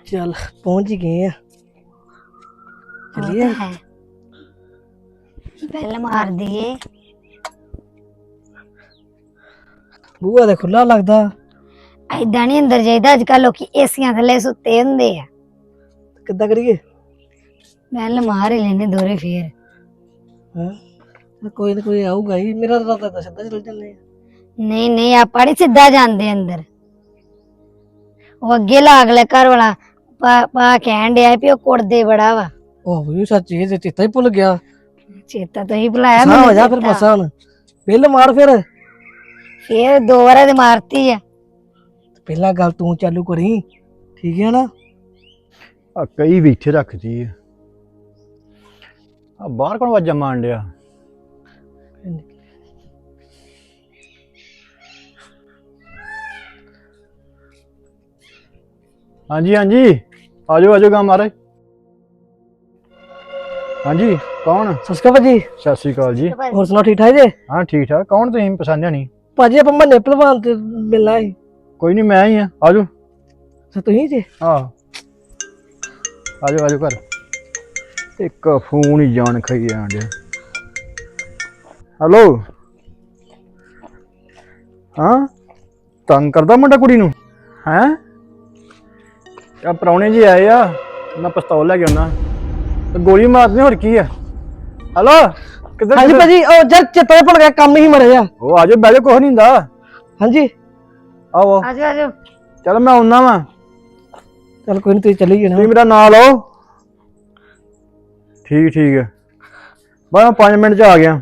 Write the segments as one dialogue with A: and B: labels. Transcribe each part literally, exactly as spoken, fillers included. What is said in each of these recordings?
A: चल पहुंच ही गए हैं। चलिए
B: है बेल मार दिए।
A: बूहा तो खुला लगता।
B: ऐदा नहीं अंदर जाइदा अजकल लोकी एसियां थले सुते हुंदे आ।
A: किद्दां करिए?
B: बेल मार ही लेने दोरे फिर।
A: हां कोई ना कोई आऊगा ही। मेरा तो रात सीधा चल जाने।
B: नहीं नहीं आप नहीं सीधा जांदे अंदर। वो अगे लाग ले घर वाला पा पा कहन दिया भी ओ कुड़दे बड़ा वा।
A: ओह ये सच ये तो चेता ही भूल गया।
B: चेता तो ही भुलाया
A: हाँ
B: मैंने।
A: हो जा फिर बसा हूं। बेल मार फिर।
B: फिर दो बार ते मारती है।
A: पहला गल तू चालू करी ठीक है ना।
C: आ कई भी इत्थे रखती है। आ बाहर कौन आवाजा मार दिया? हाँ जी हाँ जी आजो आजो गा महाराज। हाँ जी कौन?
A: सस्का भाजी
C: सत श्री अकाल जी।
A: और सुनाओ ठीक ठाक जे?
C: हाँ ठीक ठाक। कौन तुम पछाणिया नहीं?
A: भाजी आप मन्ने भलवान ते मिलना है।
C: कोई नहीं मैं ही हाँ आजो।
A: अच्छा तू ही जे?
C: हाँ आजो आजो घर। एक फोन ही जान खाई जान दिया। हेलो हाँ तंग करदा मुंडा कुड़ी नूं हैं? आ प्राहुणे जी आए आ मैं पिस्तौल लैके आना ते गोली मारनी होर की है। हेलो किधर
A: हाँ जी भाजी ओ जर चेता भुल गया काम ही मरे जा।
C: ओ आजो बैठो कुछ नहीं हुंदा।
A: हाँ जी
C: आओ
B: आजो आजो।
C: चल मैं आउना वा।
A: चल कोई नहीं तू चली गई ना।
C: तुसीं मेरा नाम लो। ठीक ठीक है बस मैं पाँच मिनट च आ गया।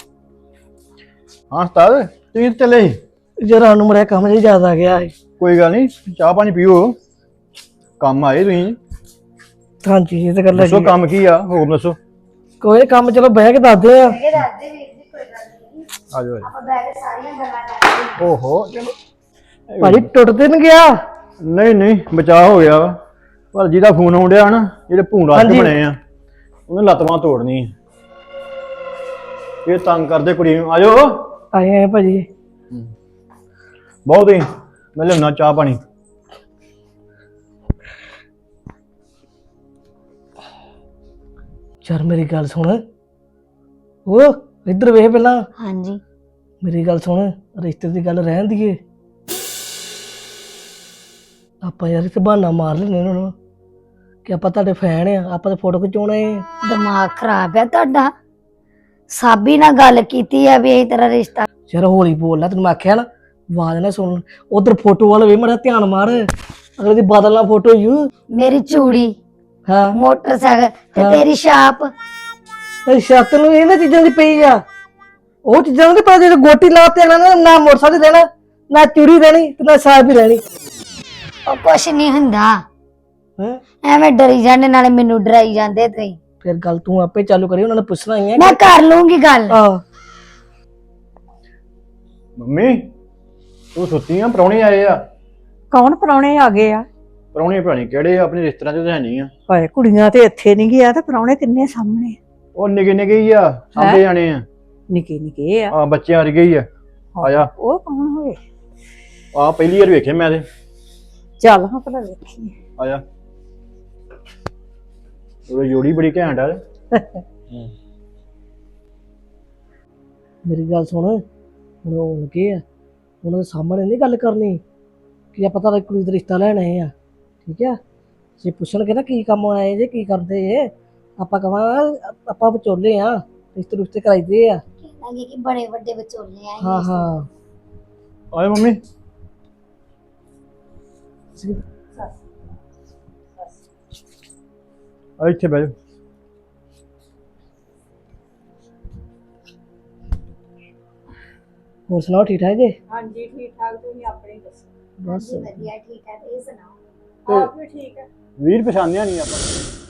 C: हाँ उस्ताद तुसीं चले ही?
A: जरा नु मरे काम जी ज्यादा आ गया है।
C: कोई गल नहीं चाह पानी पियो काम आए तुसीं।
A: हाँ जी ये तो कर
C: दसो
A: लगी।
C: काम की आ हुक्म दसो।
A: कोई काम चलो बह के दस दे आ।
C: आजो आजो। ओहो चलो
A: भाजी टुट ते नहीं गया?
C: नहीं नहीं बचाव हो गया वा पर जिहदा फोन आउण डिया ना जेहड़े भूंड
A: हाँ
C: वास्ते
A: जी।
C: बने आ उन्हें लत्त बांह तोड़नी ये तंग करदे कुड़ी नूं। आजो
A: आए हैं भाजी।
C: बहुत ही मैं लियाना चाह पानी।
A: यार मेरी गल सुन ओ इधर वेख पहला।
B: हाँ जी
A: मेरी गल सुन रिश्ते की गल रहन दीए आप यार इत्थे बहाना मार लेने उन्होंने कि आप तुहाडे फैन आ आप तो फोटो खिचाउणा है।
B: दिमाग खराब है ਤੁਹਾਡਾ। साबी ना गल कीती है भी यही तेरा रिश्ता।
A: यार हौली बोल तेन मैं आख्या ना आवाज ना सुन। उधर फोटो वाले वे मेरा ध्यान मार अगले दी बादल ना फोटो यू।
B: मेरी चूड़ी
A: हाँ
B: मोटरसाइकिल ते
A: हाँ।
B: तेरी छाप।
A: अच्छा तेन इन्हां चीजां दी पई आ ਉਹ ਚੀਜ਼ਾਂ ਨੂੰ ਪਤਾ ਜੇ ਗੋਟੀ ਲਾਤੇ ਨਾ ਨਾ ਮੋਟਰਸਾਈਕਲ ਦੇਣਾ ਨਾ ਚੂੜੀ ਦੇਣੀ ਤੇ ਨਾ ਸਾਹ ਵੀ ਲੈਣੀ।
B: ਉਹ ਕੁਛ ਨਹੀਂ ਹੁੰਦਾ
A: ਹੈ
B: ਐਵੇਂ ਡਰੀ ਜਾਂਦੇ ਨਾਲੇ ਮੈਨੂੰ ਡਰਾਈ ਜਾਂਦੇ ਤੁਸੀਂ।
A: ਫਿਰ ਗੱਲ ਤੂੰ ਆਪੇ ਚਾਲੂ ਕਰੀ ਉਹਨਾਂ ਨੇ ਪੁੱਛਣਾ ਹੀ ਹੈ।
B: ਮੈਂ ਕਰ ਲੂੰਗੀ ਗੱਲ।
A: ਆ
C: ਮੰਮੀ ਤੂੰ ਸੁੱਤੀ ਆ? ਪ੍ਰਾਹੁਣੇ ਆਏ ਆ?
D: ਕੌਣ ਪ੍ਰਾਹੁਣੇ ਆ ਗਏ ਆ?
C: ਪ੍ਰਾਹੁਣੇ ਭਰਾਣੀ ਕਿਹੜੇ ਆ? ਆਪਣੇ ਰਿਸ਼ਤੇਦਾਰਾਂ ਚ ਤਾਂ ਹੈ ਨਹੀਂ ਆ।
D: ਹਾਏ ਕੁੜੀਆਂ ਤੇ ਇੱਥੇ ਨਹੀਂ ਗਿਆ ਤੇ ਪ੍ਰਾਹੁਣੇ ਕਿੰਨੇ ਸਾਹਮਣੇ
C: ਉਹ ਨਿੱਕੇ ਨਿੱਕੇ ਹੀ ਆ ਸਾਂਭੇ ਜਾਣੇ ਆ।
D: ਨਿੱਕੇ ਨਿੱਕੇ ਆ।
C: ਆ ਬੱਚੇ ਆ ਗਏ ਹੀ ਆ। ਆ ਜਾ
D: ਉਹ ਕੌਣ ਹੋਏ?
C: ਆ ਪਹਿਲੀ ਵਾਰ ਵੇਖੇ ਮੈਂ ਤੇ।
D: ਚੱਲ ਹਾਂ ਭਲਾ ਵੇਖੀਏ।
C: ਆ ਜਾ ਉਹ ਜੋੜੀ ਬੜੀ ਘੈਂਟ ਆ।
A: ਮੇਰੀ ਗੱਲ ਸੁਣ ਹੁਣ ਉਹ ਲੱਗੇ ਆ ਉਹਨਾਂ ਦੇ ਸਾਹਮਣੇ ਨਹੀਂ ਗੱਲ ਕਰਨੀ ਕਿ ਆਪਾਂ ਤਾਂ ਕੁੜੀ ਦਾ ਰਿਸ਼ਤਾ ਲੈਣ ਆਏ ਆ ਠੀਕ ਆ। ਜੇ ਪੁੱਛਣਗੇ ਨਾ ਕੀ ਕੰਮ ਆਏ ਜੇ ਕੀ ਕਰਦੇ ਜੇ ਆਪਾਂ ਕਹਾਂ ਆਪਾਂ ਵਿਚੋਲੇ ਆ ਰਿਸ਼ਤੇ ਰੁਸ਼ਤੇ ਕਰਾਈਦੇ ਆ।
B: ਕਹਿੰਦਾ ਕਿ ਬੜੇ ਵੱਡੇ ਵਿਚੋਲੇ ਆਏ।
A: ਹਾਂ ਹਾਂ
C: ਆਏ ਮੰਮੀ ਆ ਇੱਥੇ ਬਹਿ ਜਾ।
A: ਹੋਰ ਸੁਣਾਓ ਠੀਕ ਠਾਕ ਜੀ?
D: ਹਾਂਜੀ ਠੀਕ ਠਾਕ। ਤੁਸੀਂ ਆਪਣੇ ਦੱਸੋ।
A: ਬਸ
B: ਵਧੀਆ ਠੀਕ ਹੈ ਇਹ ਸੁਣਾਓ।
D: ਆਪ ਵੀ ਠੀਕ ਹੈ।
C: ਵੀਰ ਪਛਾਣਿਆ ਨਹੀਂ ਆਪਾਂ।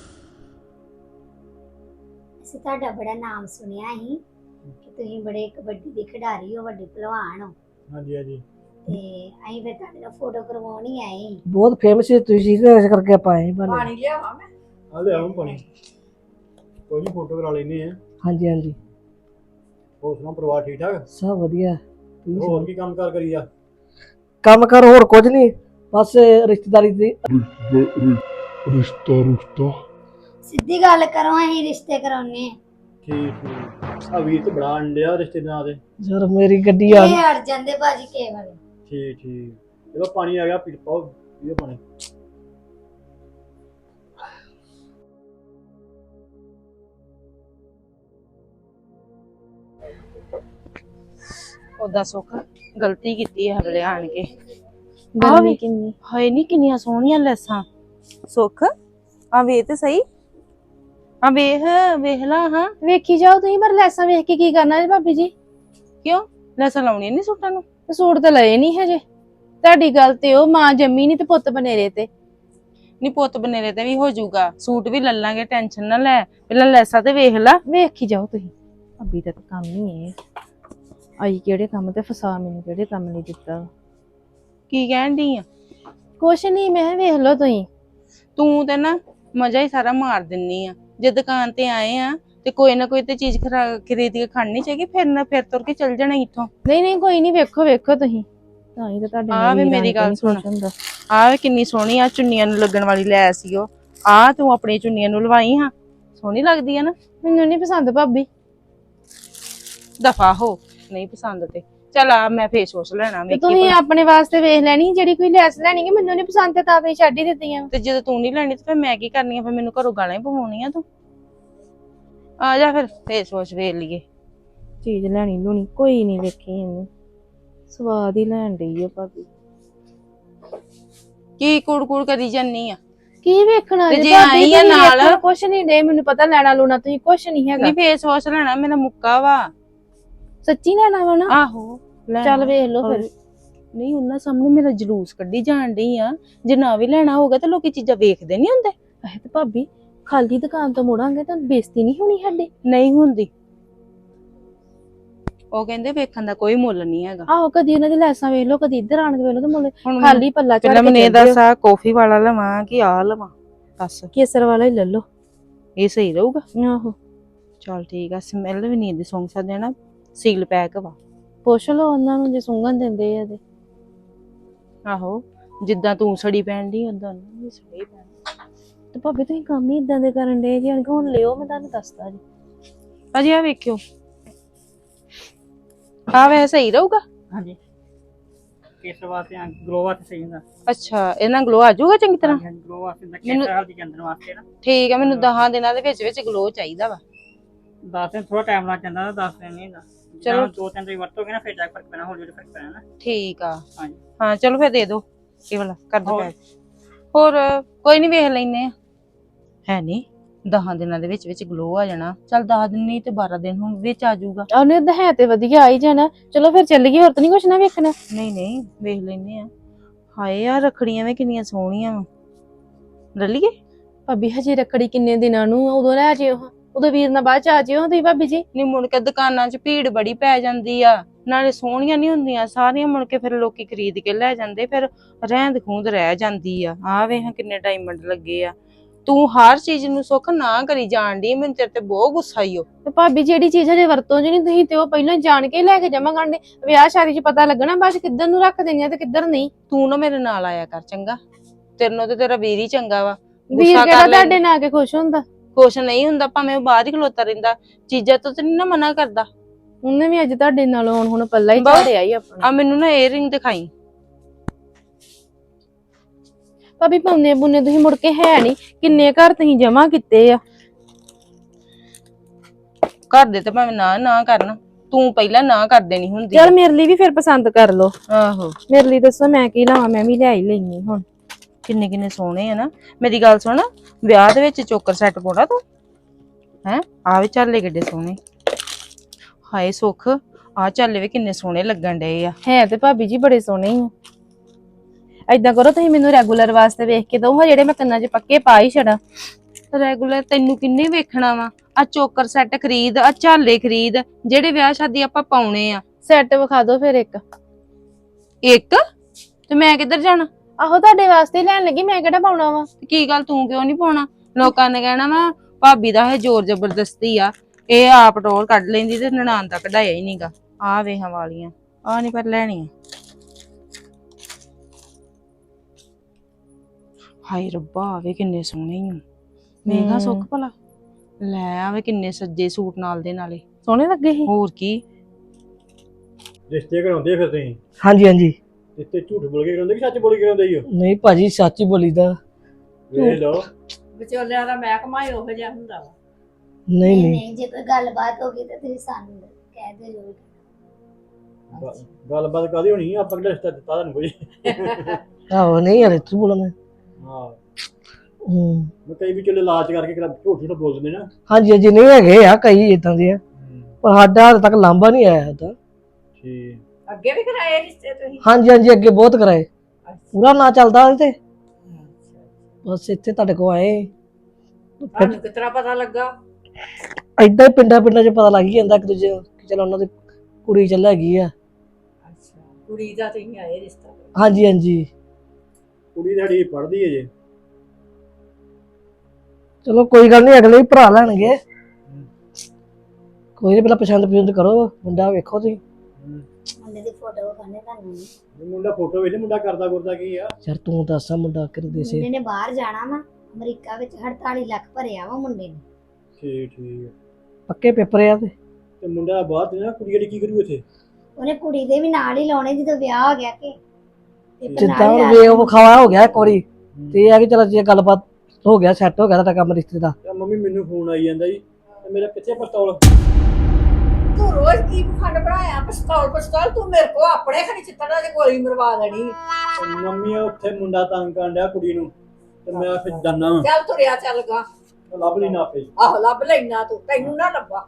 B: ਅਸੀਂ ਤੁਹਾਡਾ ਬੜਾ ਨਾਮ ਸੁਣਿਆ ਸੀ ਕਿ ਤੁਸੀਂ ਬੜੇ ਕਬੱਡੀ ਦੇ ਖਿਡਾਰੀ ਹੋ ਵੱਡੇ ਪਹਿਲਵਾਨ ਹੋ
C: ਹਾਂਜੀ ਹਾਂਜੀ
B: ਤੇ ਅਸੀਂ ਫਿਰ ਤੁਹਾਡੇ ਨਾਲ ਫੋਟੋ ਕਰਵਾਉਣੀ ਆਏ।
A: ਬਹੁਤ ਫੇਮਸ ਹੈ ਤੁਸੀਂ ਇਸ ਕਰਕੇ ਆਪਾਂ ਆਏ ਬਣੇ।
D: ਪਾਣੀ ਲਿਆਵਾਂ ਮੈਂ?
C: ਆ ਲੈ ਆਉਂ ਪਾਣੀ। ਕੋਈ ਨਹੀਂ ਫੋਟੋ ਕਰਾ ਲੈਨੇ ਆ।
A: ਹਾਂਜੀ ਹਾਂਜੀ
C: ਹੋਰ ਸੁਣਾ ਪਰਿਵਾਰ ਠੀਕ ਠਾਕ?
A: ਸਭ ਵਧੀਆ। ਤੁਸੀਂ
C: ਹੋਰ
A: ਸੁਣਾਓ?
C: ਕੀ ਕੰਮ ਕਾਰ ਕਰੀ ਆ?
A: ਕੰਮ ਕਰ ਹੋਰ ਕੁਝ ਨਹੀਂ ਬਸ ਰਿਸ਼ਤੇਦਾਰੀ ਦੀ
E: ਰਿਸ਼ਤਾ ਰੁਸ਼ਤਾ
B: ਸਿੱਧੀ ਗੱਲ ਕਰੋ, ਅਸੀਂ ਰਿਸ਼ਤੇ ਕਰਾਉਨੇ
C: ਠੀਕ ਠੀਕ ਆ ਵੀਰ ਤੇ ਬੜਾ ਅੰਡਿਆ ਰਿਸ਼ਤੇ ਦੇ ਨਾਂ ਤੇ।
A: ਯਾਰ ਮੇਰੀ ਗੱਡੀ ਆ
B: ਇਹ
A: ਗਈ।
B: ਹਟ ਜਾਂਦੇ ਭਾਜੀ ਕੇਵਲ।
C: ਠੀਕ ਠੀਕ ਇਹਦਾ ਪਾਣੀ ਆ ਗਿਆ, ਪੀ ਪਾਓ ਪੀਓ ਪਾਣੀ।
F: ਉਹਦਾ ਸੁੱਖ ਗਲਤੀ ਕੀਤੀ ਹੈ ਹਲੇ ਆਣ ਕੇ।
G: ਗਰਮੀ ਕਿੰਨੀ
F: ਹਾਏ ਨੀ ਕਿੰਨੀਆਂ ਸੋਹਣੀਆਂ ਲੈਸਾਂ। ਸੁੱਖ ਆ ਵੇਖ ਤੇ ਸਹੀ, ਆ ਵੇਖ ਵੇਖ ਲਾ। ਹਾਂ
G: ਵੇਖੀ ਜਾਓ ਤੁਸੀਂ, ਪਰ ਲੈਸਾਂ ਵੇਖ ਕੇ ਕੀ ਕਰਨਾ ਜੀ ਭਾਬੀ ਜੀ?
F: ਕਿਉਂ ਲੈਸਾਂ ਲਾਉਣੀਆਂ ਨੀ ਸੂਟਾਂ ਨੂੰ?
G: ਤੇ ਸੂਟ ਤਾਂ ਲਏ ਨਹੀਂ ਹਜੇ। ਤੁਹਾਡੀ ਗੱਲ ਤੇ ਉਹ ਮਾਂ ਜੰਮੀ ਨਹੀਂ ਤੇ ਪੁੱਤ ਬਨੇਰੇ ਤੇ।
F: ਨੀ ਪੁੱਤ ਬਨੇਰੇ ਤੇ ਵੀ ਹੋ ਜਾਊਗਾ, ਸੂਟ ਵੀ ਲੈ ਲਾਂਗੇ, ਟੈਨਸ਼ਨ ਨਾ ਲੈ। ਪਹਿਲਾਂ ਲੈਸਾਂ ਤੇ ਵੇਖ ਲਾ।
G: ਵੇਖੀ ਜਾਓ ਤੁਸੀਂ। ਭਾਬੀ ਦਾ ਤਾਂ ਕੰਮ ਹੀ ਹੈ, ਆਈ ਕਿਹੜੇ ਕੰਮ ਤੇ ਫਸਾ ਮੈਨੂੰ ਕਿਹੜੇ ਕੰਮ ਨਹੀਂ ਦਿੱਤਾ।
F: ਕੀ ਕਹਿਣ ਡਈ ਆ?
G: ਕੁਛ ਨਹੀਂ, ਮੈਂ ਕਿਹਾ ਵੇਖ ਲਓ ਤੁਸੀਂ।
F: ਤੂੰ ਤੇ ਨਾ ਮਜ਼ਾ ਹੀ ਸਾਰਾ ਮਾਰ ਦਿੰਨੀ ਆ। ਜੇ ਦੁਕਾਨ ਤੇ ਆਏ ਆ ਤੇ ਕੋਈ ਨਾ ਕੋਈ ਤੇ ਚੀਜ਼ ਖਰੀਦ ਕੇ ਖੜਨੀ ਚਾਹੀਦੀ, ਫਿਰ ਨਾ ਫਿਰ ਤੁਰ ਕੇ ਚੱਲ ਜਾਣਾ ਇੱਥੋਂ।
G: ਨਹੀਂ ਨਹੀਂ ਕੋਈ ਨਹੀਂ, ਵੇਖੋ ਵੇਖੋ ਤੁਸੀਂ। ਤਾਂ ਹੀ ਤਾਂ ਤੁਹਾਡੇ
F: ਆ ਵੇ
G: ਵੀਰਾਂ
F: ਮੇਰੀ
G: ਨੇ
F: ਗੱਲ
G: ਨੀ
F: ਸੁਣ।
G: ਕੁਛ ਹੁੰਦਾ।
F: ਆ ਵੇ ਕਿੰਨੀ ਸੋਹਣੀ ਆ, ਚੁੰਨੀਆਂ ਨੂੰ ਲੱਗਣ ਵਾਲੀ ਲੈ ਸੀ ਉਹ। ਆ ਤੂੰ ਆਪਣੀ ਚੁੰਨੀਆਂ ਨੂੰ ਲਵਾਈ ਹਾਂ, ਸੋਹਣੀ ਲੱਗਦੀ ਆ ਨਾ।
G: ਮੈਨੂੰ ਨਹੀਂ ਪਸੰਦ ਭਾਬੀ।
F: ਦਫਾ ਹੋ, ਨਹੀਂ ਪਸੰਦ ਤੇ ਚੱਲ ਆ ਮੈਂ ਫੇਸ ਵਾਸ਼ ਲੈਣਾ।
G: ਤੇ ਤੁਸੀਂ ਆਪਣੇ ਵਾਸਤੇ ਵੇਖ ਲੈਣੀ, ਜਿਹੜੀ ਕੋਈ ਲੈਸ ਲੈਣੀ ਹੈ। ਮੈਨੂੰ ਨਹੀਂ ਪਸੰਦ ਤੇ ਤਾਂ ਤੁਸੀਂ ਛੱਡ ਹੀ ਦਿੱਤੀਆਂ।
F: ਤੇ ਜਦੋਂ ਤੂੰ ਨਹੀਂ ਲੈਣੀ ਤੇ ਫਿਰ ਮੈਂ ਕੀ ਕਰਨੀ ਆ? ਫਿਰ ਮੈਨੂੰ ਘਰੋਂ ਗਾਲਾਂ ਹੀ ਪਵਾਉਣੀਆਂ ਤੂੰ। ਆ ਜਾ ਫਿਰ ਫੇਸ ਵਾਸ਼ ਵੇਖ ਲਈਏ।
G: ਚੀਜ਼ ਲੈਣੀ ਲੂਣੀ ਕੋਈ ਨਹੀਂ ਵੇਖੀ ਇਹਨੂੰ, ਸਵਾਦ ਹੀ ਲੈਣ ਡਈ ਆ ਭਾਬੀ।
F: ਕੀ ਕੁੜ ਕੁੜ ਕਰੀ ਜਾਨੀ ਆ?
G: ਕੀ ਵੇਖਣਾ
F: ਤੇ
G: ਜੇ
F: ਜੇ
G: ਭਾਬੀ?
F: ਆਈ ਆ
G: ਤੁਸੀਂ
F: ਨਾਲ?
G: ਵੇਖਣਾ ਕੁਛ ਨਹੀਂ ਡੇ, ਮੈਨੂੰ ਪਤਾ ਲੈਣਾ ਲੂਣਾ ਤੁਸੀਂ ਕੁਛ ਨਹੀਂ ਹੈਗਾ।
F: ਨਹੀਂ ਫੇਸ ਵਾਸ਼ ਲੈਣਾ, ਮੇਰਾ ਮੁੱਕਾ ਵਾ।
G: ਸੱਚੀ ਲੈਣਾ ਵਾ ਨਾ?
F: ਆਹੋ ਲੈਣਾ।
G: ਚੱਲ ਵੇਖ ਲਓ ਫਿਰ।
F: ਨਹੀਂ ਉਹਨਾਂ ਸਾਹਮਣੇ ਮੇਰਾ ਜਲੂਸ ਕੱਢੀ ਜਾਣ ਡਈ ਆ। ਜੇ ਨਾ ਵੀ ਲੈਣਾ ਹੋਗਾ ਤਾਂ ਲੋਕੀ ਚੀਜ਼ਾਂ ਵੇਖਦੇ ਨਹੀਂ ਹੁੰਦੇ।
G: ਅਹੇ ਤੇ ਭਾਬੀ ਖਾਲੀ ਦੁਕਾਨ ਤੋਂ ਮੁੜਾਂਗੇ ਤਾਂ ਬੇਇੱਜ਼ਤੀ ਨਹੀਂ ਹੋਣੀ ਸਾਡੀ?
F: ਨਹੀਂ ਹੁੰਦੀ। ਉਹ ਕਹਿੰਦੇ ਵੇਖਣ ਦਾ ਕੋਈ ਮੁੱਲ ਨਹੀਂ ਹੈਗਾ।
G: ਆਹੋ, ਕਦੀ ਉਹਨਾਂ ਦੀ ਲੈਸਾਂ ਵੇਖ ਲਓ, ਕਦੀ ਇੱਧਰ ਆਣ ਕੇ ਵੇਖ ਲਓ, ਤੇ ਮੁੱਲ
F: ਹੁਣ
G: ਖਾਲੀ ਪੱਲਾ ਚੜ
F: ਪਹਿਲਾਂ
G: ਕੇ
F: ਮੈਨੂੰ ਇਹ
G: ਚੱਲ
F: ਦੱਸ, ਆ ਕਾਫੀ ਵਾਲਾ ਲਵਾਂ ਕਿ ਆ ਲਵਾਂ? ਦੱਸ,
G: ਕੇਸਰ ਵਾਲਾ ਹੀ ਲੈ ਲਓ।
F: ਇਹ ਸਹੀ ਰਹੂਗਾ?
G: ਆਹੋ
F: ਚਲ ਠੀਕ ਆ। ਸਮੈਲ ਵੀ ਨਹੀਂ ਇਹਦੀ ਸੁੰਘ ਸਕਦੇ ਨਾ, ਸੀਲ ਪੈਕ ਵਾ।
G: ਪੁੱਛ ਲਓ ਉਹਨਾਂ ਨੂੰ ਜੇ ਸੁੰਘਣ ਦਿੰਦੇ ਆ ਤੇ।
F: ਆਹੋ ਜਿੱਦਾਂ ਤੂੰ ਸੜੀ ਪੈਣ ਦੀ ਉਦਾਂ ਉਹਨੂੰ ਵੀ ਸੜੀ ਪੈਣ।
G: ਤੇ ਭਾਬੀ ਤੁਸੀਂ ਕੰਮ ਹੀ ਇਦਾਂ ਦੇ ਕਰਨ ਦੇ ਜੀ। ਹੁਣ ਲਿਓ, ਮੈਂ ਤੁਹਾਨੂੰ ਦੱਸਦਾ ਜੀ।
F: ਅਜੇ ਆ ਵੇਖਿਓ, ਆ ਵੈਸੇ ਸਹੀ ਰਹੂਗਾ?
H: ਹਾਂਜੀ ਕੇਸ ਵਾਸਤੇ ਗਲੋ ਵਾਸਤੇ ਸਹੀ ਹੁੰਦਾ।
F: ਅੱਛਾ ਇਹ ਨਾਲ ਗਲੋ ਆ ਜਾਊਗਾ ਚੰਗੀ ਤਰ੍ਹਾਂ?
H: ਹਾਂਜੀ ਗਲੋ ਵਾਸਤੇ ਹੁੰਦਾ,
F: ਮੈਨੂੰ-
H: ਕੇਸ ਹਲਦੀ ਚੰਦਨ ਵਾਸਤੇ ਨਾ।
F: ਠੀਕ ਆ, ਮੈਨੂੰ ਦਸਾਂ ਦਿਨਾਂ ਦੇ ਵਿੱਚ ਵਿੱਚ ਗਲੋ ਚਾਹੀਦਾ ਵਾ।
H: ਦਸ ਦਿਨ ਥੋੜਾ ਟਾਈਮ ਲੱਗ ਜਾਂਦਾ, ਦਸ ਦਿਨ ਨਹੀਂ ਹੁੰਦਾ।
F: ਚਲੋ।
H: ਚਲੋ ਦੋ ਤਿੰਨ ਦਿਨ ਵਰਤੋਗੇ ਨਾ ਫਿਰ ਜਾ ਕੇ ਫਰਕ ਪੈਣਾ, ਹੌਲੀ ਹੌਲੀ ਫਰਕ ਪੈਣਾ ਨਾ।
F: ਠੀਕ ਆ।
H: ਹਾਂਜੀ
F: ਹਾਂ ਚਲੋ ਫਿਰ ਦੇ ਦਿਓ ਇਹ ਵਾਲਾ, ਕਰ ਦਿਓ
H: ਹੋਰ?
F: ਪੈਕ। ਹੋਰ ਕੋਈ ਨਹੀਂ, ਵੇਖ ਲੈਨੇ ਆ। ਹੈ ਨਹੀਂ ਦਸਾਂ ਦਿਨਾਂ ਦੇ ਵਿੱਚ ਵਿੱਚ ਗਲੋ ਆ ਜਾਣਾ। ਚੱਲ ਦਸ ਦਿਨ ਨਹੀਂ ਤੇ ਬਾਰਾਂ ਦਿਨ ਹੁਣ ਵਿੱਚ ਆ ਜਾਊਗਾ।
G: ਉਹਨੇ ਤਾਂ ਹੈ ਤੇ ਵਧੀਆ ਆ ਹੀ ਜਾਣਾ। ਚਲੋ ਫਿਰ ਚੱਲੀਏ, ਹੋਰ ਤਾਂ ਨਹੀਂ ਕੁਛ ਨਾ ਵੇਖਣਾ।
F: ਨਹੀਂ ਨਹੀਂ ਵੇਖ ਲੈਨੇ ਆ। ਹਾਏ ਯਾਰ ਰੱਖੜੀਆਂ ਵੀ ਕਿੰਨੀਆਂ ਸੋਹਣੀਆਂ ਵਾ। ਲੈ ਲਈਏ?
G: ਭਾਬੀ ਹਜੇ ਰੱਖੜੀ ਕਿੰਨੇ ਦਿਨਾਂ ਨੂੰ, ਉਦੋਂ ਲੈ ਜਿਓ, ਉਦੋਂ ਵੀਰ ਨਾਲ ਬਾਅਦ ਚ ਆ ਜਿਓ ਤੁਸੀਂ ਭਾਬੀ ਜੀ।
F: ਨਹੀਂ ਮੁੜ ਕੇ ਦੁਕਾਨਾਂ 'ਚ ਭੀੜ ਬੜੀ ਪੈ ਜਾਂਦੀ ਆ, ਨਾਲੇ ਸੋਹਣੀਆਂ ਨਹੀਂ ਹੁੰਦੀਆਂ ਸਾਰੀਆਂ। ਮੁੜ ਕੇ ਫਿਰ ਲੋਕੀ ਖਰੀਦ ਕੇ ਲੈ ਜਾਂਦੇ, ਫਿਰ ਰਹਿੰਦ ਖੂੰਦ ਰਹਿ ਜਾਂਦੀ ਆ। ਆਹ ਵੇਖ ਕਿੰਨੇ ਡਾਇਮੰਡ ਲੱਗੇ ਆ। ਤੂੰ ਹਰ ਚੀਜ਼ ਨੂੰ ਸੁੱਖ ਨਾ ਕਰੀ ਜਾਣ ਡਈ, ਮੈਨੂੰ ਤੇਰੇ ਤੇ ਬਹੁਤ ਗੁੱਸਾ ਈ ਓ।
G: ਤੇ ਭਾਬੀ ਜਿਹੜੀ ਚੀਜ਼ ਹਜੇ ਵਰਤੋਂ ਚ ਨਹੀਂ, ਤੁਸੀਂ ਤੇ ਉਹ ਪਹਿਲਾਂ ਜਾਣ ਕੇ ਲੈ ਕੇ ਜਮਾ ਕਰਦੇ। ਵਿਆਹ ਸ਼ਾਦੀ ਚ ਪਤਾ ਲੱਗਣਾ ਬਸ ਕਿੱਧਰ ਨੂੰ ਰੱਖ ਦੇਣੀਆਂ ਤੇ ਕਿੱਧਰ ਨਹੀਂ।
F: ਤੂੰ ਨਾ ਮੇਰੇ ਨਾਲ ਆਇਆ ਕਰ ਚੰਗਾ। ਤੇਰੇ ਨਾਲ ਤੇ ਤੇਰਾ ਵੀਰ ਹੀ ਚੰਗਾ ਵਾ।
G: ਵੀਰ
F: ਗੁੱਸਾ
G: ਕਿਹੜਾ
F: ਕਰ ਲੈ।
G: ਤੁਹਾਡੇ ਨਾਲ ਆ ਕੇ ਖੁਸ਼ ਹੁੰਦਾ?
F: ਕੁਛ ਨਹੀਂ ਹੁੰਦਾ, ਭਾਵੇਂ ਉਹ ਬਾਹਰ ਹੀ ਖਲੋਤਾ ਰਹਿੰਦਾ, ਚੀਜ਼ਾਂ ਤੋਂ ਤੇ ਨੀ ਨਾ ਮਨਾ ਕਰਦਾ।
G: ਉਹਨੇ ਵੀ ਅੱਜ ਤੁਹਾਡੇ ਨਾਲ ਆਉਣ ਹੁਣ ਪੱਲਾ ਹੀ
F: ਬਹੁਤ-
G: ਝਾੜਿਆ ਹੀ ਆਪਣਾ।
F: ਆ ਮੈਨੂੰ ਨਾ ਏਅਰਿੰਗ ਦਿਖਾਈ।
G: ਭਾਬੀ ਪਾਉਂਦੇ ਬੁੰਨੇ ਤੁਸੀਂ ਮੁੜ ਕੇ ਹੈ ਨਹੀਂ, ਕਿੰਨੇ ਘਰ ਤੁਸੀਂ ਜਮਾ ਕੀਤੇ ਆ।
F: ਘਰ ਦੇ ਤੇ ਭਾਵੇਂ ਨਾ ਨਾ ਕਰਨ, ਤੂੰ ਪਹਿਲਾਂ ਨਾ ਕਰ ਦੇਣੀ ਹੁੰਦੀ ਆ।
G: ਚਲ ਮੇਰੇ ਲਈ ਵੀ ਫਿਰ ਪਸੰਦ ਕਰ ਲਓ।
F: ਆਹੋ
G: ਮੇਰੇ ਲਈ ਦੱਸੋ ਮੈਂ ਕੀ ਲਾਵਾਂ, ਮੈਂ ਵੀ ਲੈ ਹੀ ਲੈਣੀ ਹੁਣ।
F: ਕਿੰਨੇ ਕਿੰਨੇ ਸੋਹਣੇ ਆ ਨਾ। ਮੇਰੀ ਗੱਲ ਸੁਣ, ਵਿਆਹ ਦੇ ਵਿੱਚ ਚੋਕਰ ਸੈੱਟ ਪਾਉਣਾ ਤੂੰ ਹੈ? ਆ ਵੀ ਝਾਲੇ ਕਿੱਡੇ ਸੋਹਣੇ। ਹਾਏ ਸੁੱਖ, ਆ ਝਾਲੇ ਵੀ ਕਿੰਨੇ ਸੋਹਣੇ ਲੱਗਣ ਡਏ ਆ।
G: ਹੈ ਤੇ ਭਾਬੀ ਜੀ ਬੜੇ ਸੋਹਣੇ ਹੀ ਆ। ਏਦਾਂ ਕਰੋ ਤੁਸੀਂ ਮੈਨੂੰ ਰੈਗੂਲਰ ਵਾਸਤੇ ਵੇਖ ਕੇ ਦੋ, ਜਿਹੜੇ ਮੈਂ ਕੰਨਾਂ 'ਚ ਪੱਕੇ ਪਾ ਹੀ ਛੜਾ।
F: ਰੈਗੂਲਰ ਤੈਨੂੰ ਕਿੰਨੇ ਵੇਖਣਾ ਵਾ? ਆ ਚੋਕਰ ਸੈੱਟ ਖਰੀਦ, ਆ ਝਾਲੇ ਖਰੀਦ, ਜਿਹੜੇ ਵਿਆਹ ਸ਼ਾਦੀ ਆਪਾਂ ਪਾਉਣੇ ਆ।
G: ਸੈੱਟ ਵਿਖਾ ਦਿਓ ਫਿਰ ਇੱਕ।
F: ਇੱਕ ਤੇ ਮੈਂ ਕਿੱਧਰ ਜਾਣਾ?
G: ਆਹੋ ਤੁਹਾਡੇ ਵਾਸਤੇ ਹੀ ਲੈਣ ਲੱਗੀ, ਮੈਂ ਕਿਹੜਾ ਪਾਉਣਾ ਵਾ।
F: ਕੀ ਗੱਲ ਤੂੰ ਕਿਉਂ ਨਹੀਂ ਪਾਉਣਾ? ਲੋਕਾਂ ਨੇ ਕਹਿਣਾ ਵਾ ਭਾਬੀ ਦਾ ਇਹ ਜ਼ੋਰ ਜ਼ਬਰਦਸਤੀ ਆ, ਇਹ ਆਪ ਟੋਰ ਕੱਢ ਲੈਂਦੀ ਤੇ ਨਨਾਣ ਦਾ ਕਢਾਇਆ ਹੀ ਨਹੀਂਗਾ। ਆ ਵੇਹਾਂ ਵਾਲੀਆਂ ਆ ਨਹੀਂ ਪਰ ਲੈਣੀਆਂ। ਹਾਏ ਰੱਬਾ ਆਵੇ ਕਿੰਨੇ ਸੋਹਣੇ ਹੀ ਮੈਂ ਕਿਹਾ ਸੁੱਖ ਭਲਾ ਲੈ ਆਵੇ ਕਿੰਨੇ ਸੱਜੇ ਸੂਟ ਨਾਲ ਦੇ ਨਾਲੇ
G: ਸੋਹਣੇ ਲੱਗੇ ਸੀ।
F: ਹੋਰ ਕੀ
C: ਰਿਸ਼ਤੇ ਕਰਾਉਂਦੇ ਫਿਰ ਤੁਸੀਂ
A: ਹਾਂਜੀ ਹਾਂਜੀ
C: ਰਿਸ਼ਤੇ ਝੂਠ ਬੋਲ ਕੇ ਕਰਾਉਂਦੇ ਕਿ ਸੱਚ ਬੋਲ ਕੇ ਕਰਾਉਂਦੇ ਹੀ ਹੋ
A: ਨਹੀਂ ਭਾਜੀ ਸੱਚ ਹੀ ਬੋਲੀਦਾ।
C: ਵੇਖ ਲਓ
D: ਵਿਚੋਲਿਆਂ ਦਾ ਮਹਿਕਮਾ ਹੀ ਉਹੋ ਜਿਹਾ ਹੁੰਦਾ ਵਾ।
A: ਨਹੀਂ ਨਹੀਂ
B: ਨਹੀਂ ਜੇ ਕੋਈ ਗੱਲਬਾਤ ਹੋ ਗਈ ਤਾਂ ਤੁਸੀਂ ਸਾਨੂੰ ਕਹਿ ਦਿਓ ਜ਼ਰੂਰ।
C: ਗ- ਗੱਲਬਾਤ ਕਾਦੀ ਹੋਣੀ ਆਪਾਂ ਕਿਹੜਾ ਰਿਸ਼ਤਾ ਦਿੱਤਾ ਤੁਹਾਨੂੰ ਕੋਈ
A: ਆਹੋ ਨਹੀਂ ਯਾਰ ਤੂੰ ਬੋਲਣਾ।
C: ਹਾਂ
A: ਹੂੰ
C: ਮੈਂ ਕਈ ਵੀ ਚਲੇ ਲਾਲਚ ਕਰਕੇ ਕਰਾ ਝੂਠ ਝੂਠ ਬੋਲ ਦਿੰਦੇ ਨਾ
A: ਹਾਂਜੀ ਹਾਂਜੀ ਨਹੀਂ ਹੈਗੇ ਆ ਕਈ ਇਦਾਂ ਦੇ ਆ, ਪਰ ਸਾਡਾ ਹਾਲੇ ਤੱਕ ਲਾਂਭਾ ਨਹੀਂ ਆਇਆ ਸਾਡਾ।
C: ਠੀਕ
D: ਅੱਗੇ ਵੀ ਕਰਾਏ ਰਿਸ਼ਤੇ ਤੁਸੀਂ?
A: ਹਾਂਜੀ ਹਾਂਜੀ ਅੱਗੇ ਬਹੁਤ ਕਰਾਏ, ਪੂਰਾ ਨਾ ਚੱਲਦਾ ਉਹਦੇ ਤੇ, ਬਸ ਇੱਥੇ ਤੁਹਾਡੇ ਕੋਲ ਆਏ।
D: ਤੁਹਾਨੂੰ ਕਿਸ ਤਰ੍ਹਾਂ ਪਤਾ ਲੱਗਾ?
A: ਏਦਾਂ ਹੀ ਪਿੰਡਾਂ ਪਿੰਡਾਂ 'ਚ ਪਤਾ ਲੱਗ ਹੀ ਜਾਂਦਾ ਇੱਕ ਦੂਜੇ ਨੂੰ ਕਿ ਚਲੋ ਉਹਨਾਂ ਦੀ ਕੁੜੀ ਚੱਲ ਹੈਗੀ ਆ।
D: ਅੱਛਾ ਕੁੜੀ ਦਾ ਤੁਸੀਂ ਆਏ ਰਿਸ਼ਤਾ?
A: ਹਾਂਜੀ ਹਾਂਜੀ
C: ਕੁੜੀ ਸਾਡੀ ਪੜ੍ਹਦੀ ਹੈ ਜੇ
A: ਚਲੋ ਕੋਈ ਗੱਲ ਨਹੀਂ, ਅਗਲੇ ਵੀ ਭਰਾ ਲੈਣਗੇ। ਕੋਈ ਨਹੀਂ, ਪਹਿਲਾਂ ਪਸੰਦ ਪਸੰਦ ਕਰੋ, ਮੁੰਡਾ ਵੇਖੋ ਤੁਸੀਂ।
B: ਮੁੰਡੇ ਦੀ ਫੋਟੋ ਵਿਖਾਣੇ ਤੁਹਾਨੂੰ।
C: ਇਹ ਮੁੰਡਾ ਫੋਟੋ ਵੇਖ ਮੁੰਡਾ ਕਰਦਾ ਗੁਰਦਾ ਕੀ ਆ
A: ਯਾਰ ਤੂੰ ਦੱਸ ਮੁੰਡਾ ਕਿਹਦੇ ਸੇ?
B: ਮੁੰਡੇ ਨੇ ਬਾਹਰ ਜਾਣਾ ਵਾ, ਅਮਰੀਕਾ ਵਿੱਚ ਅੜਤਾਲੀ ਲੱਖ ਭਰਿਆ ਵਾ ਮੁੰਡੇ ਨੇ।
C: ਠੀਕ ਠੀਕ
A: ਪੱਕੇ ਪੇਪਰ ਆ ਤੇ
C: ਤੇ ਮੁੰਡਾ ਬਾਹਰ ਤੇ ਨਾ ਕੁੜੀ ਜਿਹੜੀ ਕੀ ਕਰੂ ਇੱਥੇ?
B: ਉਹਨੇ ਕੁੜੀ ਦੇ ਵੀ ਨਾਲ ਹੀ ਲਾਉਣੇ ਜਦੋਂ ਵਿਆਹ ਹੋ ਗਿਆ ਕਿ ਪੇਪਰ
A: ਜਿੱਦਾਂ
B: ਨਾਲ ਹੀ
A: ਹੁਣ
B: ਲਾ
A: ਵੇ ਉਹ ਵਿਖਾਵਾ ਹੋ ਗਿਆ ਇੱਕ ਵਾਰੀ, ਤੇ ਇਹ ਆ ਕਿ ਚਲੋ ਜੇ ਗੱਲਬਾਤ ਹੋ ਗਿਆ, ਸੈੱਟ ਹੋ ਗਿਆ ਤੁਹਾਡਾ ਕੰਮ ਰਿਸ਼ਤੇ ਦਾ।
C: ਤੇ ਮੰਮੀ ਮੈਨੂੰ ਫੋਨ ਆਈ ਜਾਂਦਾ ਜੀ ਤੇ ਮੇਰਾ ਕਿੱਥੇ ਪਿਸਤੌਲ?
D: ਤੂੰ ਰੋਜ਼ ਕੀ ਖੰਡ ਬਣਾਇਆ ਪਿਸਤੌਲ ਪਿਸਤੌਲ? ਤੂੰ ਮੇਰੇ ਕੋ ਆਪਣੇ ਖਣੀ ਚਿੱਤੜਾ ਦੇ ਗੋਲੀ ਮਰਵਾ ਦੇਣੀ।
C: ਤੇ ਮੰਮੀ ਆ ਉੱਥੇ ਮੁੰਡਾ ਤੰਗ ਕਰਨ ਡਿਆ ਕੁੜੀ ਨੂੰ ਤੇ ਮੈਂ ਫਿਰ ਜਾਨਾ ਵਾਂ
D: ਚੱਲ ਤੁਰਿਆ ਚੱਲ ਗਾ।
C: ਲੱਭ ਲਈ ਨਾ ਆਪੇ।
D: ਆਹੋ ਲੱਭ ਲੈਣਾ ਤੂੰ, ਤੈਨੂੰ ਨਾ ਲੱਭਾ।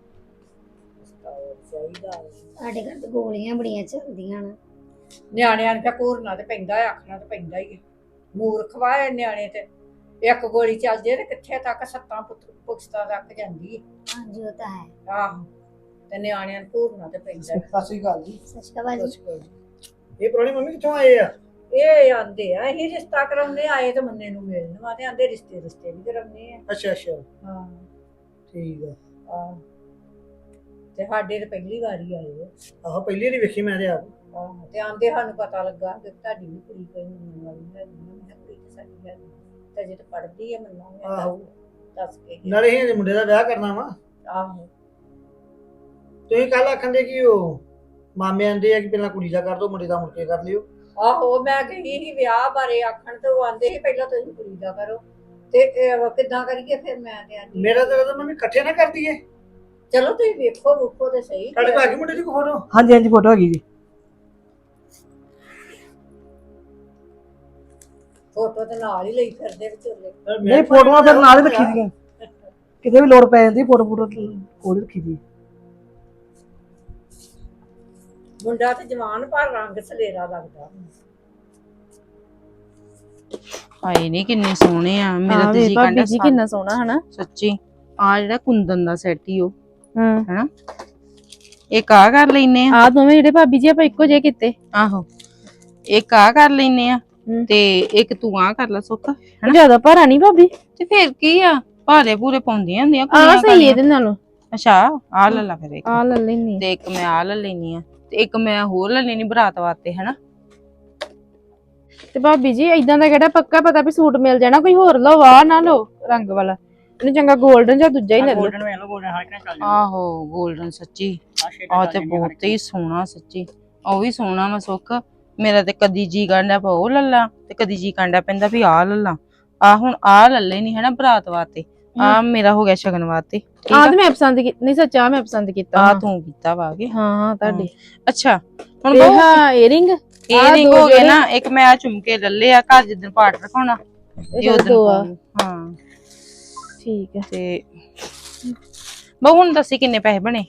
D: ਚਾਹੀਦਾ
B: ਸਾਡੇ ਘਰ ਤੇ ਗੋਲੀਆਂ ਬੜੀਆਂ ਚੱਲਦੀਆਂ ਨਾ।
D: ਨਿਆਣਿਆਂ ਨੂੰ ਘੂਰਨਾ ਤੇ ਪੈਂਦਾ ਹੈ, ਆਖਣਾ ਤੇ ਪੈਂਦਾ ਹੀ ਹੈ। ਮੂਰਖ ਵਾਏ ਨਿਆਣੇ ਤੇ ਇੱਕ ਗੋਲੀ ਚੱਲ ਜੇ ਤੇ ਕਿੱਥੇ ਤੱਕ ਸੱਤਾਂ ਪੁੱਤ ਪੁਖਤਾ ਤੱਕ ਜਾਂਦੀ ਹੈ।
B: ਹਾਂਜੀ ਉਹ ਤਾਂ ਹੈ।
D: ਆਹੋ ਤੇ ਨਿਆਣਿਆਂ ਨੂੰ ਘੂਰਨਾ ਤੇ ਪੈਂਦਾ ਹੈ।
C: ਸਤਿ ਸ਼੍ਰੀ ਅਕਾਲ ਜੀ।
B: ਸਤਿ ਸ਼੍ਰੀ ਅਕਾਲ ਜੀ।
C: ਇਹ ਪੁਰਾਣੀ ਮੰਮੀ ਕਿੱਥੋਂ ਆਏ ਆ?
D: ਇਹ ਆਂਦੇ ਆ ਅਸੀਂ ਰਿਸ਼ਤਾ ਕਰਾਉਂਦੇ ਆਏ ਤੇ ਮੰਨੇ ਨੂੰ ਮਿਲਣ ਵਾ ਤੇ ਆਂਦੇ ਰਿਸ਼ਤੇ ਰਿਸ਼ਤੇ ਵੀ ਕਰਾਉਂਦੇ ਆ।
C: ਅੱਛਾ ਅੱਛਾ
D: ਹਾਂ
C: ਠੀਕ ਆ।
D: ਆਹ ਤੇ ਸਾਡੇ ਤੇ ਪਹਿਲੀ ਵਾਰੀ ਆਏ ਆ।
C: ਆਹੋ ਪਹਿਲੀ ਵਾਰੀ ਵੇਖੀ ਮੈਂ ਤੇ ਆਪ।
D: ਆਹੋ ਤੇ ਆਂਦੇ ਸਾਨੂੰ ਪਤਾ ਲੱਗਾ ਕਿ ਤੁਹਾਡੀ ਵੀ ਕੁੜੀ ਕੋਈ ਮੰਨਣ ਵਾਲੀ ਹੈ। ਮੈਂ ਕਿਹਾ ਕੁੜੀ ਤੇ ਸਾਡੀ ਹੈ ਤੇ ਜੇ ਤੇ ਪੜ੍ਹਦੀ ਹੈ ਮੰਨਾਂਗੇ।
C: ਆਹੋ।
D: ਦੱਸ ਕੇ ਗਏ।
C: ਨਾਲੇ ਇਹ ਮੁੰਡੇ ਦਾ ਵਿਆਹ ਕਰਨਾ ਵਾ।
D: ਆਹੋ
C: ਤੁਸੀਂ ਕੱਲ ਆਖੰਦੇ ਕਿ ਉਹ ਮਾਮੇ ਆਂਦੇ ਆ ਕਿ ਪਹਿਲਾਂ ਕੁੜੀ ਦਾ ਕਰ ਦੋ, ਮੁੰਡੇ ਦਾ ਮੁੜ ਕੇ ਕਰ ਲਿਓ।
D: ਆਹੋ ਮੈਂ ਗਈ ਸੀ ਵਿਆਹ ਬਾਰੇ ਆਖਣ ਤੇ ਉਹ ਆਂਦੇ ਸੀ ਪਹਿਲਾਂ ਤੁਸੀਂ ਕੁੜੀ ਦਾ ਕਰੋ ਤੇ ਇਹ ਕਿੱਦਾਂ ਕਰੀਏ। ਫਿਰ ਮੈਂ ਤੇ ਆਂਦੀ
C: ਮੇਰਾ ਤਾਂ ਤਾਂ ਮੰਮੀ ਇਕੱਠੇ ਨਾ ਕਰ ਦਈਏ।
D: ਚਲੋ ਤੁਸੀਂ ਵੇਖੋ ਵੇਖੋ ਤੇ ਸਹੀ।
C: ਤੁਹਾਡੇ ਕੋਲ ਆ ਗਈ ਮੁੰਡੇ ਦੀ ਫੋਟੋ?
A: ਹਾਂਜੀ ਹਾਂਜੀ ਫੋਟੋ ਹੈਗੀ ਜੀ।
D: ਫੋਟੋ ਤੇ ਨਾਲ ਹੀ ਲਈ ਫਿਰਦੇ ਵਿਚੋਲੇ।
A: ਨਹੀਂ ਫੋਟੋਆਂ ਫਿਰ ਨਾਲ ਹੀ ਰੱਖੀ ਦੀਆਂ, ਕਿਤੇ ਵੀ ਲੋੜ ਪੈ ਜਾਂਦੀ ਫੋਟੋ ਫੋਟੋ ਕੋਲ ਰੱਖੀ ਦੀ।
D: ਮੁੰਡਾ ਤੇ ਜਵਾਨ ਪਰ ਰੰਗ ਸਲੇਰਾ ਲੱਗਦਾ।
F: ਹਾਏ ਨਹੀਂ ਕਿੰਨੇ ਸੋਹਣੇ ਆ। ਮੇਰਾ ਤੇ ਜੀ
G: ਭਾਬੀ
F: ਕਹਿੰਦਾ
G: ਜੀ ਕਿੰਨਾ ਸੋਹਣਾ ਹਨਾ।
F: ਸੱਚੀ ਆ ਜਿਹੜਾ ਕੁੰਦਨ ਦਾ ਸੈੱਟ ਹੀ ਉਹ
G: ਹਾਂ
F: ਹਨਾ, ਇੱਕ ਆ ਕਰ ਲੈਨੇ ਆ।
G: ਆ ਦੋਵੇਂ ਜਿਹੜੇ ਭਾਬੀ ਜੀ ਆਪਾਂ ਇੱਕੋ ਜਿਹੇ ਕੀਤੇ।
F: ਆਹੋ ਇੱਕ ਆ ਕਰ ਲੈਨੇ ਆ
G: ਹਮ।
F: ਤੇ ਇੱਕ ਤੂੰ ਆ ਕਰ ਲੈ ਸੁੱਖ।
G: ਜਿਆਦਾ ਭਾਰਾ ਨਹੀਂ ਭਾਬੀ।
F: ਤੇ ਫਿਰ ਕੀ ਆ, ਭਾਰੇ ਪੂਰੇ ਪਾਉਂਦੀਆਂ ਹੁੰਦੀਆਂ
G: ਆ
F: ਕੁੜੀਆਂ
G: ਸਹੀ
F: ਕਾਲੀਆਂ।
G: ਇਹਦੇ ਨਾਲੋਂ।
F: ਅੱਛਾ ਆ ਲੈ ਲਾ ਫਿਰ ਇੱਕ,
G: ਆ ਲੈ ਲੈਣੀ।
F: ਤੇ ਇੱਕ ਮੈਂ ਆ ਲੈ ਲੈਨੀ ਆ ਤੇ ਇੱਕ ਮੈਂ ਹੋਰ ਲੈ ਲੈਨੀ ਬਰਾਤ ਵਾਸਤੇ ਹਨਾ।
G: ਤੇ ਭਾਬੀ ਜੀ ਇਦਾਂ ਦਾ ਕਿਹੜਾ ਪੱਕਾ ਪਤਾ ਵੀ ਸੂਟ ਮਿਲ ਜਾਣਾ, ਕੋਈ ਹੋਰ ਲਓ ਆ ਨਾ ਲਓ ਰੰਗ ਵਾਲਾ। ਇਹਨੂੰ ਚੰਗਾ 골ਡਨ ਜਾਂ ਦੂਜਾ ਹੀ ਲੈ ਲਓ।
H: ਗੋਲਡਨ ਵੇਖ ਲਓ, ਗੋਲਡਨ ਹਰ ਕਿਨੇ ਚੱਲ ਜਾਣਾ।
F: ਆਹੋ 골ਡਨ ਸੱਚੀ
H: ਆਹ ਸ਼ੇਡ
F: ਆ
H: ਚੱਲ
F: ਤੇ
H: ਜਾਣਗੀਆਂ ਹਰ
F: ਬਹੁਤ ਹੀ ਸੋਹਣਾ ਸੱਚੀ। ਉਹ ਵੀ ਸੋਹਣਾ ਵਾ ਸੁੱਖ। ਮੇਰਾ ਤੇ ਕਦੀ ਜੀ ਕਾਂਡਾ ਪਾ ਉਹ ਲੱਲਾ ਤੇ ਕਦੀ ਜੀ ਕਾਂਡਾ ਪੈਂਦਾ ਵੀ ਆ ਲੱਲਾ। ਆ ਹੁਣ ਆ ਲੱਲੇ ਨਹੀਂ ਹਨਾ ਬਰਾਤ ਵਾਸਤੇ, ਆ ਮੇਰਾ ਹੋ ਗਿਆ ਸ਼ਗਨ ਵਾਸਤੇ।
G: ਆ ਤੇ ਮੈਂ ਪਸੰਦ ਕੀਤੀ ਨਹੀਂ, ਸੱਚਾ ਮੈਂ ਪਸੰਦ ਕੀਤਾ।
F: ਆ ਤੂੰ ਕੀਤਾ ਵਾ ਕੇ
G: ਹਾਂ ਹਾਂ ਤੁਹਾਡੇ।
F: ਅੱਛਾ ਹੁਣ
G: ਇਹ
F: ਬਹੁ
G: ਹਾਂ ਏਅਰਿੰਗ
F: ਏਅਰਿੰਗ ਹੋ ਗਏ ਨਾ। ਇੱਕ ਮੈਂ ਆ ਝੁਮਕੇ ਲੱਲੇ ਆ ਘਰ ਜਿੱਦਣ ਪਾਠ ਰਖਾਉਣਾ ਇਹ ਉਦੋਂ
G: ਦੋ ਆ।
F: ਹਾਂ
G: ਠੀਕ ਹੈ।
F: ਤੇ ਬਹੁ ਹੁਣ ਦੱਸੀ ਕਿੰਨੇ ਪੈਸੇ ਬਣੇ?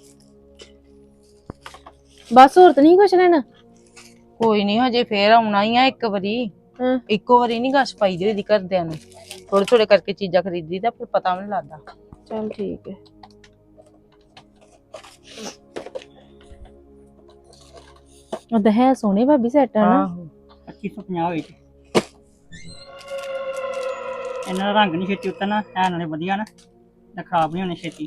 G: ਬਸ ਹੋਰ ਤਾਂ ਨਹੀਂ ਕੁਛ ਲੈਣਾ।
F: ਕੋਈ ਨਹੀਂ ਹਜੇ ਫੇਰ ਆਉਣਾ ਹੀ ਆ ਇੱਕ ਵਾਰੀ।
G: ਹਾਂ
F: ਇੱਕੋ ਵਾਰੀ ਨਹੀਂ ਗਸ਼ ਪਾਈ ਦੀ ਉਹਦੀ ਘਰਦਿਆਂ ਨੂੰ, ਥੋੜੇ ਥੋੜੇ ਕਰਕੇ ਚੀਜ਼ਾਂ ਖਰੀਦੀ ਦਾ ਫਿਰ ਪਤਾ ਵੀ ਨਹੀਂ ਲੱਗਦਾ।
G: ਚਲ ਠੀਕ ਹੈ। ਉਹਦਾ ਹੈ ਸੋਹਣੇ ਭਾਬੀ ਸੈੱਟ ਆ ਨਾ।
F: ਆਹੋ
H: ਪੱਚੀ ਸੌ ਪੰਜਾਹ ਹੋਈ ਤੇ ਇਹਨਾਂ ਦਾ ਰੰਗ ਨਹੀਂ ਛੇਤੀ ਉਤਰਨਾ ਹੈ, ਨਾਲੇ ਵਧੀਆ ਨਾ ਨਾ ਖਰਾਬ ਨਹੀਂ ਹੋਣੇ ਛੇਤੀ।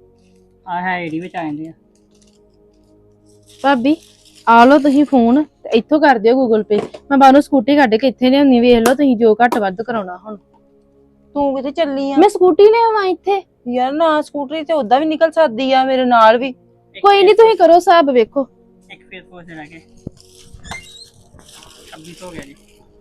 H: ਆ ਹੈ ਏਡੀ ਵਿੱਚ ਆ ਜਾਂਦੇ ਆ।
G: ਭਾਬੀ ਆ ਲਓ ਤੁਸੀਂ ਫੋਨ ਤੇ ਇੱਥੋਂ ਕਰ ਦਿਓ ਗੂਗਲ ਪੇ। ਮੈਂ ਬਾਹਰੋਂ ਸਕੂਟੀ ਕੱਢ ਕੇ ਇੱਥੇ ਲਿਆਉਣੀ, ਵੇਖ ਲਓ ਤੁਸੀਂ ਜੋ ਘੱਟ ਵੱਧ ਕਰਾਉਣਾ ਹੁਣ।
F: ਤੂੰ ਕਿੱਥੇ ਚੱਲੀ ਆ?
G: ਮੈਂ ਸਕੂਟੀ ਲਿਆਵਾਂ ਇੱਥੇ?
F: ਯਾਰ ਨਾ ਸਕੂਟਰੀ ਤੇ ਉਦਾਂ ਵੀ ਨਿਕਲ ਸਕਦੀ ਆ ਮੇਰੇ ਨਾਲ ਵੀ।
G: ਕੋਈ ਨਹੀਂ, ਤੁਸੀਂ ਕਰੋ ਹਿਸਾਬ, ਵੇਖੋ।
H: ਇੱਕ ਫੇਸ ਵਾਸ਼ ਦੇ ਲਾਗੇ ਛੱਬੀ ਹੋ ਗਿਆ ਜੀ।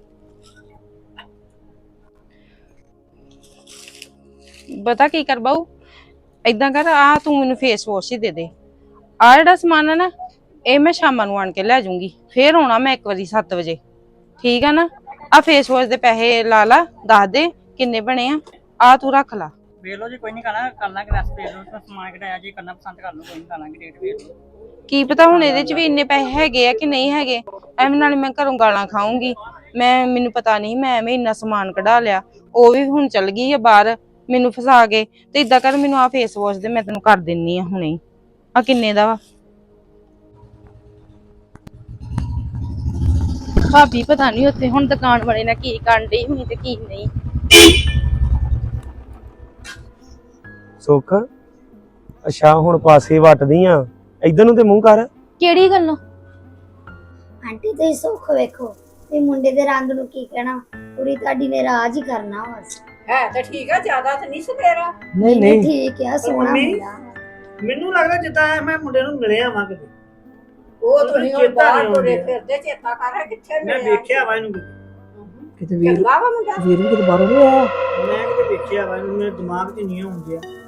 F: ਪਤਾ ਕੀ ਕਰ ਬਾਊ, ਏਦਾਂ ਕਰ, ਆ ਤੂੰ ਮੈਨੂੰ ਫੇਸ ਵਾਸ਼ ਹੀ ਦੇ ਦੇ। ਆ ਜਿਹੜਾ ਸਮਾਨ ਆ ਨਾ, ਇਹ ਮੈਂ ਸ਼ਾਮਾਂ ਨੂੰ ਆਣ ਕੇ ਲੈ ਜਾਊਂਗੀ, ਫੇਰ ਆਉਣਾ ਮੈਂ ਇੱਕ ਵਾਰੀ ਸੱਤ ਵਜੇ, ਠੀਕ ਆ ਨਾ? ਆ ਫੇਸ ਵਾਸ਼ ਦੇ ਪੈਸੇ ਲਾ ਲਾ, ਦੱਸ ਦੇ ਕਿੰਨੇ ਬਣੇ ਆ, ਆ ਤੂੰ ਰੱਖ ਲਾ।
H: ਵੇਖ ਲਓ ਜੀ, ਕੋਈ ਨਹੀਂ ਕਰਨਾ, ਕਰ ਲਾਂਗੇ ਲੈਸ, ਵੇਖ ਲਓ ਤਾਂ ਸਮਾਨ ਕਿਹੜਾ ਜੀ ਕਰਨਾ ਪਸੰਦ ਕਰ ਲਓ, ਕੋਈ ਨਹੀਂ ਕਰ ਲਾਂਗੇ, ਰੇਟ ਵੇਖ ਲਓ।
F: ਕੀ ਪਤਾ ਹੁਣ ਇਹਦੇ ਚ ਵੀ ਇੰਨੇ ਪੈਸੇ ਹੈਗੇ ਆ ਕਿ ਨਹੀਂ ਹੈਗੇ, ਐਵੇਂ ਨਾਲ ਮੈਂ ਘਰੋਂ ਗਾਲਾਂ ਖਾਊਂਗੀ। ਮੈਂ ਮੈਨੂੰ ਪਤਾ ਨਹੀਂ, ਮੈਂ ਐਵੇਂ ਇੰਨਾ ਸਮਾਨ ਕਢਾ ਲਿਆ, ਉਹ ਵੀ ਹੁਣ ਚੱਲ ਗਈ ਆ ਬਾਹਰ ਮੈਨੂੰ ਫਸਾ ਕੇ। ਤੇ ਇਦਾਂ ਕਰ, ਮੈਨੂੰ ਆ ਫੇਸ ਵਾਸ਼ ਦੇ ਮੈਂ ਤੈਨੂੰ ਕਰ ਦਿੰਨੀ ਆ ਹੁਣੇ। ਆ ਕਿੰਨੇ ਦਾ ਵਾ?
G: ਭਾਬੀ ਪਤਾ ਨਹੀਂ ਉੱਥੇ ਹੁਣ ਦੁਕਾਨ ਵਾਲੇ ਨਾਲ ਕੀ ਕਰਨ ਡਈ ਹੋਈ ਤੇ ਕੀ ਨਹੀਂ।
E: ਸੁੱਖ, ਅੱਛਾ ਹੁਣ ਪਾਸੇ ਵੱਟਦੀ ਆ, ਇਧਰ ਨੂੰ ਤੇ ਮੂੰਹ ਕਰ।
G: ਕਿਹੜੀ ਗੱਲੋਂ?
B: ਆਂਟੀ ਤੁਸੀਂ ਸੁੱਖ ਵੇਖੋ, ਤੇ ਮੁੰਡੇ ਦੇ ਰੰਗ ਨੂੰ ਕੀ ਕਹਿਣਾ, ਕੁੜੀ ਤੁਹਾਡੀ ਨੇ ਰਾਜ ਹੀ ਕਰਨਾ ਬਸ।
D: ਹੈ ਤਾਂ ਠੀਕ ਆ, ਜ਼ਿਆਦਾ ਤਾਂ ਨਹੀਂ ਸਵੇਰਾ।
A: ਨਹੀਂ ਨਹੀਂ
B: ਠੀਕ ਆ, ਸੋਹਣਾ
I: ਮੰਮੀ,
B: ਮੁੰਡਾ।
I: ਮੈਨੂੰ ਲੱਗਦਾ ਜਿੱਦਾਂ ਮੈਂ ਮੁੰਡੇ ਨੂੰ ਮਿਲਿਆ ਵਾਂ ਕਿਤੇ।
D: ਉਹ ਤੁਸੀਂ ਹੁਣ
I: ਚੇਤਾ
D: ਬਾਹਰ
I: ਨਹੀਂ
D: ਤੁਰੇ
I: ਆਉਂਦਾ।
D: ਫਿਰਦੇ, ਚੇਤਾ ਕਰ ਹੈ ਕਿੱਥੇ
I: ਮੈਂ
D: ਮਿਲਿਆ।
I: ਵੇਖਿਆ ਵਾ ਇਹਨੂੰ ਕਿਤੇ।
A: ਕਿਤੇ ਵੀਰ
D: ਚੰਗਾ ਵਾ ਮੁੰਡਾ।
A: ਵੀਰ ਵੀ ਕਿਤੇ ਬਾਹਰੋਂ ਨਹੀਂ ਆਇਆ।
I: ਮੈਂ ਕਿਤੇ ਵੇਖਿਆ ਵਾ ਇਹਨੂੰ, ਮੇਰੇ ਦਿਮਾਗ 'ਚ ਨਹੀਂ ਆਉਂਦਿਆ।